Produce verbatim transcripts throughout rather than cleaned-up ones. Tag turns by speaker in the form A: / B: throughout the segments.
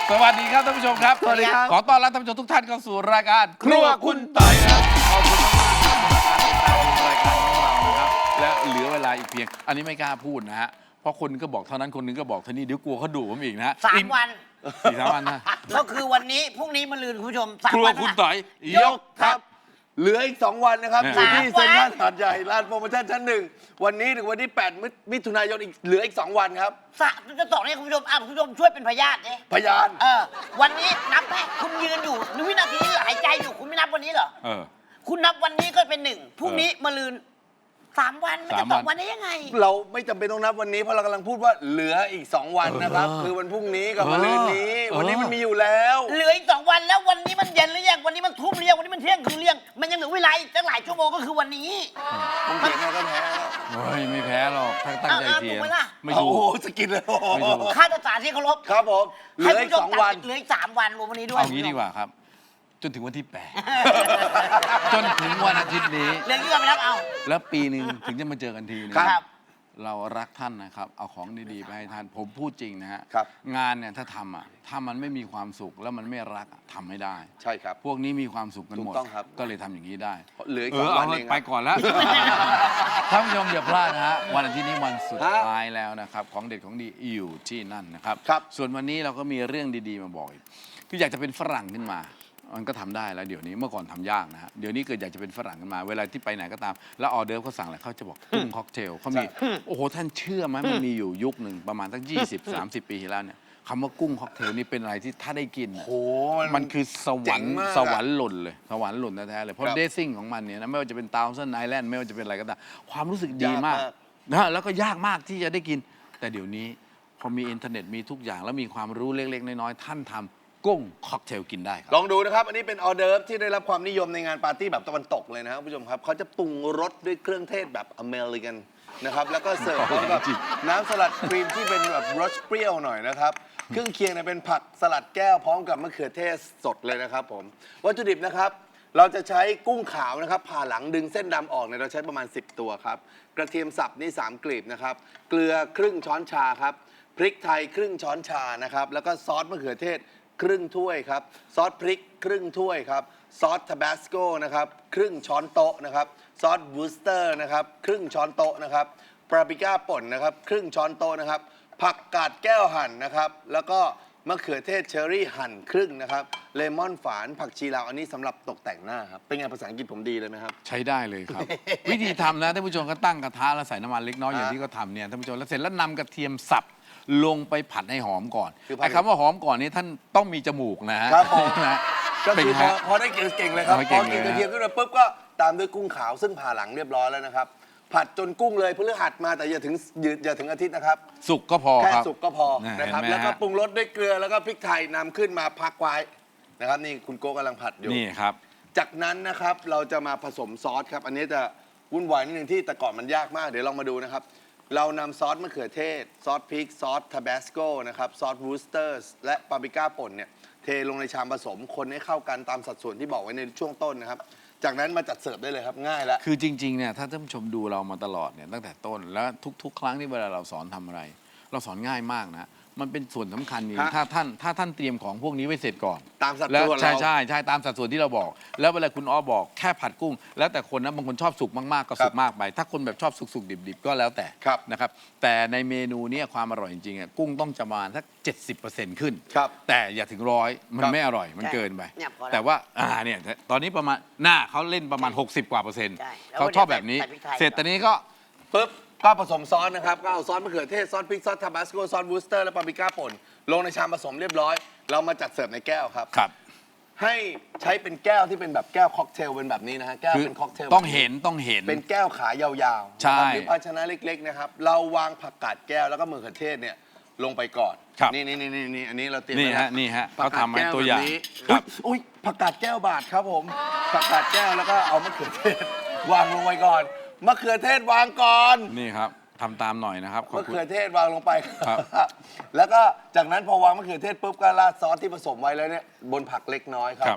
A: สวัสดีครับท่านผู้ชมครับ
B: สวัสดีครับ
A: ขอต้อนรับท่านผู้ชมทุกท่านเข้าสู่รายการครัวคุณต่อยครับขอบคุณมากๆที่ติดตามรายการของเรานะครับและเหลือเวลาอีกเพียงอันนี้ไม่กล้าพูดนะฮะเพราะคนก็บอกเท่านั้นคนนึงก็บอกเท่านี้เดี๋ยวกลัวเขาดุผมอีกนะฮะ
B: สามวัน
A: สี่สามวันนะ
B: ก็คือวันนี้พรุ่งนี้มะรืนคุณผู้ชมสาม
A: ครัว
B: วัน
A: คุณ
B: นะ
A: ต่อยยกครับ
C: เหลืออีกสองวันนะครับ
A: เนี่ย
C: อยู่ที่
B: สามวัน
C: เซ็นทรัลหาดใหญ่ลานโปรโมชั่นชั้นหนึ่งวันนี้ถึงวันที่แปดมิถุนายนอีกเหลืออีกสองวันครับ
B: สะจะสองเนี่ยคุณผู้ชมอ่ะคุณผู้ชมช่วยเป็นพยานดิ
C: พยาน
B: เออวันนี้นับไหมคุณยืนอยู่ในวินาทีที่หายใจอยู่คุณไม่นับวันนี้เหรอ
A: เออ
B: คุณนับวันนี้ก็เป็นหนึ่งพรุ่งนี้มะรืนสามวันมันจะ
A: สาม
B: ส
A: วั
B: อน งวันได้ยังไง
C: เราไม่จำเป็นต้องนับวันนี้เพราะเรากำลังพูดว่าเหลืออีกสองวันนะครับ
A: เออ
C: คือวันพรุ่งนี้กับ
A: เออ
C: มะรืนนี้
A: เออ
C: วันนี้มันมีอยู่แล้ว
B: เหลืออีกสองวันแล้ววันนี้มันเย็นหรือยังวันนี้มันทุ่มหรือยังวันนี้มันเที่ยงคืนหรือยังมันยังเหลือเวลาอีกตั้งหลายชั่วโมงก็คือวันนี้
C: ผมเถียงไงก็แพ้แล้ว
A: เฮ้ยไม่แพ้หรอกถ้าตั้งใจ
B: เอาเอา
A: เถียง
B: ถูกไหมล่ะ
A: ไม่
C: โอ้
A: ถู
C: โห
A: ก
C: สกิดเลยโอ้โห
A: ไม่ถูก
B: ค่าตัดสารที่เคารพ
C: ครับผมเหลืออีกสองวัน
B: เหลืออีกสามวันรวมวันนี้ด้วย
A: เอางี้ดีกว่าครับ จนถึงวันที่แปดจนถึงวันอาทิตย์นี้
B: เรื่องนี้ก็ไม่รับเอา
A: แล้วปีหนึ่งถึงจะมาเจอกันทีนึง
C: ครับ
A: เรารักท่านนะครับ เอาของดีๆไปให้ท่าน ผมพูดจริงนะฮะ
C: ครับ
A: งานเนี่ยถ้าทำอ่ะถ้ามันไม่มีความสุขแล้วมันไม่รักอะทำไม่ได้
C: ใช่ครับ
A: พวกนี้มีความสุขกันหมด
C: ถูกต้องครับ
A: ก็เลยทำอย่างนี้ได้
C: เหลืออีก
A: เอ
C: สอง
A: อ
C: วั
A: เอา
C: น
A: เถ
C: เอง
A: อะ
C: ค
A: ไป
C: รับ
A: ก่อนแล้ว ท่านผู้ชมอย่าพลาดนะฮะวันอาทิตย์นี้วันสุด
C: ฮะ
A: ท้ายแล้วนะครับ ของเด็ดของดีอยู่ที่นั่นนะครับ
C: ครับ
A: ส่วนวันนี้เราก็มีเรื่องดีๆมาบอกอีกคืออยากจะเป็นฝรั่งขึ้นมา มันก็ทำได้แล้วเดี๋ยวนี้เมื่อก่อนทำยากนะฮะเดี๋ยวนี้เกิดอยากจะเป็นฝรั่งขึ้นมา เวลาที่ไปไหนก็ตาม แล้วออเดิร์ฟเขาสั่งอะไรเขาจะบอกกุ้งค็อกเทลเขามีโอ้โหท่านเชื่อไหมมันมีอยู่ยุคหนึ่งประมาณสักยี่สิบสามสิบปีที่แล้วเนี่ยคำว่ากุ้งค็อกเทลนี่เป็นอะไรที่ถ้าได้กิน
C: โอ้โห
A: มันคือสวรรค์
C: เจ๋งมากอะ
A: สวรรค์หล่นเลยสวรรค์หล่นแท้ๆเลยเพราะ
C: ครับ
A: เดซซิ่งของมันเนี่ยนะไม่ว่าจะเป็นตาวเซนไอแลนด์ไม่ว่าจะเป็นอะไรก็ตามความรู้สึกดี
C: ยาก
A: มาม
C: าก ก
A: นะแล้วก็ยากมากที่จะได้กิน แต่เดี๋ยวนี้พอมีอินเทอร์เน็ตมีทุกอย่าง แล้วมีความรู้เล็กๆน้อยๆท่านทำกุ้งค็อกเทลกินได้ครับ
C: ลองดูนะครับ อันนี้เป็นออเดิร์ฟที่ได้รับความนิยมในงานปาร์ตี้แบบตะวันตกเลยนะครับคุณผู้ชมครับเขาจะปรุงรสด้วยเครื่องเทศแบบอเมริกันนะครับแล้วก็เสิร์ฟพร้อมกับน้ำสลัดครีมที่เป็นแบบรสเปรี้ยวหน่อยนะครับเครื่องเคียงเนี่ยเป็นผักสลัดแก้วพร้อมกับมะเขือเทศสดเลยนะครับผมวัตถุดิบนะครับเราจะใช้กุ้งขาวนะครับผ่าหลังดึงเส้นดำออกเนี่ยเราใช้ประมาณสิบตัวครับกระเทียมสับนี่สามกลีบนะครับเกลือครึ่งช้อนชาครับพริกไทยครึ่งช้อนชานะครับแล้วก็ซอสมะเขือเทศครึ่งถ้วยครับซอสพริกครึ่งถ้วยครับซอสทาบาสโกนะครับครึ่งช้อนโต๊ะนะครับซอสวูสเตอร์นะครับครึ่งช้อนโต๊ะนะครับปาปริก้าป่นนะครับครึ่งช้อนโต๊ะนะครับผักกาดแก้วหั่นนะครับแล้วก็มะเขือเทศเชอร์รี่หั่นครึ่งนะครับเลมอนฝานผักชีลาวอันนี้สำหรับตกแต่งหน้าครับเป็นไงภาษาอังกฤษผมดีเลยไหมครับ
A: ใช้ได้เลยครับ วิธีทำนะท่านผู้ชมก็ตั้งกระทะแล้วใส่น้ำมันเล็กน้อยอย่างที่เขาทำเนี่ยท่านผู้ชมแล้วเสร็จแล้วนำกระเทียมสับลงไปผัดให้หอมก่อน
C: คือผัด
A: ไอ้คำว่าหอมก่อนนี่ท่านต้องมีจมูกนะฮะ
C: ครับผม
A: นะ
C: ก็
A: เป็น
C: คือ
A: ไง
C: พอ
A: ฮะ
C: พอได้เก่งๆเลยครับ
A: เอาให้
C: พ
A: เก่
C: อง กิน
A: เลยนะ
C: กระเทียมขึ้นมาปุ๊บก็ตามด้วยกุ้งขาวซึ่งผ่าหลังเรียบร้อยแล้วนะครับผัดจนกุ้งเลยพฤหัสมาแต่อย่าถึงอย่าถึงอาทิตย์นะครับ
A: สุกก็พอ
C: แค่
A: ครับ
C: สุกก็พอ
A: นะ
C: นะครับ
A: เห็นไหม
C: แล้วก็
A: ฮะ
C: ปรุงรสด้วยเกลือแล้วก็พริกไทยนำขึ้นมาพักไว้นะครับนี่คุณโก้กำลังผัดอยู่
A: นี่ครับ
C: จากนั้นนะครับเราจะมาผสมซอสครับอันนี้จะวุ่นวายนิดนึงที่แต่ก่อนมันยากมากเดี๋ยวลองมาดูนะครับเรานำซอสมะเขือเทศซอสพริกซอสทาบาสโกนะครับซอสวูสเตอร์และปาปริก้าป่นเนี่ยเทลงในชามผสมคนให้เข้ากันตามสัดส่วนที่บอกไว้ในช่วงต้นนะครับจากนั้นมาจัดเสิร์ฟได้เลยครับง่ายแล้ว
A: คือจริงๆเนี่ยถ้าท่านผู้ชมดูเรามาตลอดเนี่ยตั้งแต่ต้นแล้วทุกๆ ครั้งที่เวลาเราสอนทำอะไร เราสอนง่ายมากนะมันเป็นส่วนสำคัญนี่
C: ฮะ
A: ถ้าท่านถ้าท่านเตรียมของพวกนี้ไว้เสร็จก่อน
C: ตามสัด
A: แล้ว
C: ส่วน
A: ใช่
C: เรา
A: ใช่ใช่ตามสัดส่วนที่เราบอก แล้วเวลาคุณอ้อบอกแค่ผัดกุ้ง แล้วแต่คนนะบางคนชอบสุกมากๆก็สุกมากไป ถ้าคนแบบชอบสุกๆดิบๆก็แล้วแต่
C: ครับ
A: นะครับแต่ในเมนูเนี้ความอร่อยจริงๆอ่ะกุ้งต้องจะประมาณสักเจ็ดสิบเปอร์เซ็นต์ขึ้น
C: ครับ
A: แต่อย่าถึงร้อยมัน
C: ครับ
A: ไม่อร่อยมัน
B: ใช่
A: เกินไป
B: เนี่ยพอแล้ว
A: แต่ว่าอ่าเนี่ยตอนนี้ประมาณหน้าเขาเล่นประมาณ หกสิบ กว่าเปอร์เซ็นต์
B: ใช่แล้ว
A: เขาชอบแบบนี้
B: ใส่พริกไทย
A: เสร็จตอนนี้ก็
C: ปุ๊บก็ผสมซอสนะครับก็เอาซอสมะเขือเทศซอสพริกซอสทาบาสโกซอสวูสเตอร์และปาปริก้าป่นลงในชามผสมเรียบร้อย เรามาจัดเสิร์ฟในแก้วครับ
A: ครับ
C: ให้ใช้เป็นแก้วที่เป็นแบบแก้วค็อกเทลเป็นแบบนี้นะฮะแก้ว
A: คือ
C: เป็นค็อกเทล
A: ต้องเห็นต้องเห็น
C: เป็นแก้วขายาวๆ
A: ใช่
C: นะครับหรือภาชนะเล็กๆนะครับเราวางผักกาดแก้วแล้วก็มะเขือเทศเนี่ยลงไปก่อน
A: ครับ
C: นี่นี่นี่นี่นี่อันนี้เราเตรียม
A: นี่
C: ไว้
A: ฮะ
C: แล้ว
A: นี่ฮะ
C: ผัก
A: เขา
C: กาด
A: ทำให้
C: แก้ว
A: ตัว
C: แบ
A: อย่าง
C: บนี้
A: ครับ
C: อุ๊ยอุ๊ยผักกาดแก้วบาทครับผมผักกาดแก้วแล้วก็เอามะเขือเทศ วางลงไปก่อนมะเขือเทศวางก่อน
A: นี่ครับทำตามหน่อยนะครับขอบ
C: มะ
A: คุณ
C: เขือเทศวางลงไป
A: ครับ
C: แล้วก็จากนั้นพอวางมะเขือเทศปุ๊บก็ราดซอสที่ผสมไว้แล้วเนี่ยบนผักเล็กน้อยครั
A: ครับ บ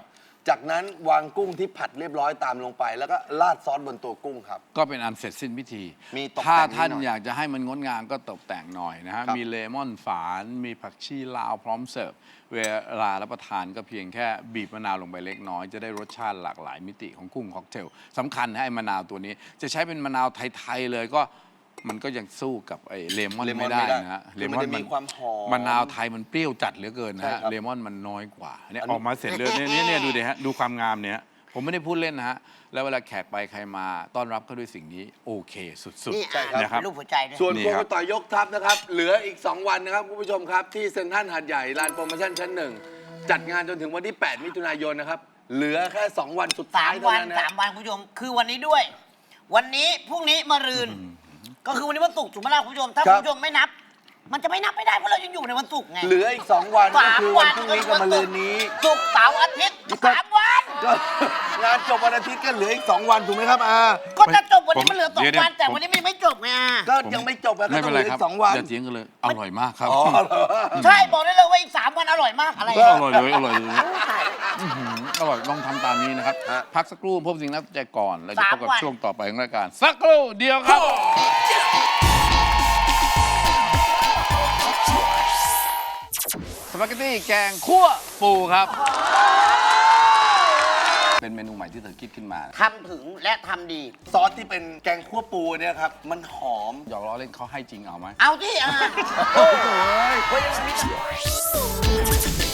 C: จากนั้นวางกุ้งที่ผัดเรียบร้อยตามลงไป แล้วก็ราดซอสบนตัวกุ้งครับ
A: ก็เป็นอันเสร็จสิ้นพิธี
C: มีตกแต่ง
A: ถ้าท่าน
C: นิดหน่อย
A: อยากจะให้มันงดงามก็ตกแต่งหน่อยนะฮะ
C: ครับ
A: มีเลมอนฝาน มีผักชีลาวพร้อมเสิร์ฟ เวลารับประทานก็เพียงแค่บีบมะนาวลงไปเล็กน้อย จะได้รสชาติหลากหลายมิติของกุ้งค็อกเทลสำคัญนะไอ้มะนาวตัวนี้ จะใช้เป็นมะนาวไทยๆเลยก็มันก็ยังสู้กับไอ้เลมอน
C: เลมอน
A: ไม่ได้
C: ไม่ได้
A: นะฮะ
C: คือมันจะมีความหอม
A: มะนาวไทยมันเปรี้ยวจัดเหลือเกินนะ
C: ใช่
A: ฮะ
C: ครับ
A: เลมอนมันน้อยกว่าเนี่ย
C: อันนี้
A: ออกมาเสร็จเลยเนี่ยเนี่ยเนี่ยดูดิฮะดูความงามเนี่ยผมไม่ได้พูดเล่นนะฮะแล้วเวลาแขกไปใครมาต้อนรับเขาด้วยสิ่งนี้โอเคสุด
B: นี่
A: ๆ
C: ใช่ครับ
A: นะครับ
B: รูปหัวใจด้วย
C: ส่วน
A: นี่
C: โค
A: ครั
C: ก
A: บ
C: ต่อยยกทัพนะครับ เหลืออีก สอง วันนะครับคุณผู้ชมครับ ที่เซ็นทรัลหาดใหญ่ลานโปรโมชั่นชั้นหนึ่งจัดงานจนถึงวันที่ แปด มิถุนายนนะครับ เหลือแค่ สอง วันสุด
B: สา
C: ท้าย
B: ม
C: เท่า
B: วัน
C: นั้นนะ
B: สามวันคุณผู้ชมคือวันนี้ด้วย วันนี้พรุ่งนี้มะรืน ก็คือวันนี้วันศุกร์ถูกไหมล่ะคุณผู้ชม ถ้า
C: ครั
B: คุ
C: บ
B: ณผู้ชมไม่นับ มันจะไม่นับไม่ได้เพราะเรายังอยู่ในวันศุกร์ไง
C: เหลืออีก สอง วันก็
B: สาม
C: คือ
B: วั
C: วัน
B: น
C: พรุ่งนี้กับมะรืนนี้
B: ศุกร์เสาร์อาทิตย์สามวัน
C: ก็งานจบวันอาทิตย์ก็เหลืออีก สอง วันถูกไหมครับอา
B: ก็จะจบวันนี้
A: ผม
B: มันเหลือสอง
A: เดี๋ยว
B: วัน
A: ๆ
B: แต่
A: ผม
B: วันนี้มันไม่จบไงอ่ะ
C: ก็ยังไม่จบนะก็
A: ไม่
C: ต้
A: เป็
C: อน งเห
A: ไร
C: ลือ
A: ครับ
C: อีก สอง วัน
A: อย่าเถียงกันเลยอร่อยมากครับ
C: อ๋อเหรอ
B: ใช่บอกได้เลยว่าอีกสามวันอร่อยมากอะไร
A: อ
B: อ่ะ
A: ร่อยเลยอร่อยเลยอื้อหืออร่อยลองทำตามนี้นะครับ
C: ฮะ
A: พักสักครู่พบสิ่งน่าสนใจก่อนแล้วจะ
B: สาม
A: พบกับ
B: วัน
A: ช่วงต่อไปของรายการ สักครู่เดียวครับสปาเกตตี้แกงคั่วปูครับ เป็นเมนูใหม่ที่เธอคิดขึ้นมา
B: ทำถึงและทำดี
C: ซอสที่เป็นแกงคั่วปูเนี่ยครับ มันหอม
A: หยอกล้อเล่นเขาให้จริงเอาไหม
B: เอาที่อ่ะโอ้โห